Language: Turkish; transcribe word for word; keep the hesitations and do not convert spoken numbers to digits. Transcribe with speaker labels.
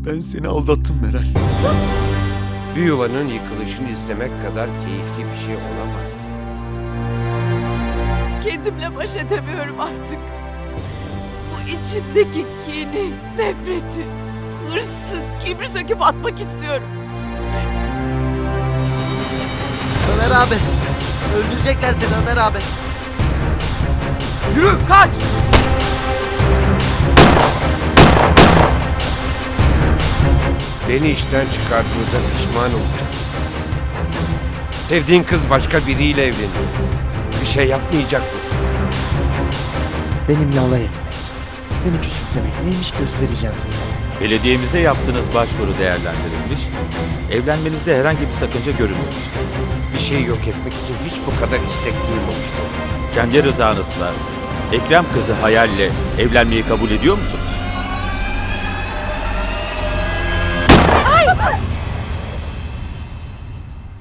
Speaker 1: Ben seni aldattım Meral.
Speaker 2: Bir yuvanın yıkılışını izlemek kadar keyifli bir şey olamaz.
Speaker 3: Kendimle baş edemiyorum artık. Bu içimdeki kini, nefreti, hırsı, kibri söküp atmak istiyorum.
Speaker 4: Ömer abi. Öldürecekler seni Ömer abi.
Speaker 3: Yürü, kaç!
Speaker 2: Beni işten çıkardığınızda pişman olacaksınız. Sevdiğin kız başka biriyle evleniyor. Bir şey yapmayacak mısın?
Speaker 4: Benimle alay etmek, beni küçümsemek neymiş göstereceğim size.
Speaker 5: Belediyemize yaptığınız başvuru değerlendirilmiş, evlenmenizde herhangi bir sakınca görülmemiştir.
Speaker 2: Bir şey yok etmek için hiç bu kadar istek duymamıştım.
Speaker 5: Kendi rızanızla Ekrem kızı Hayal'le evlenmeyi kabul ediyor musunuz?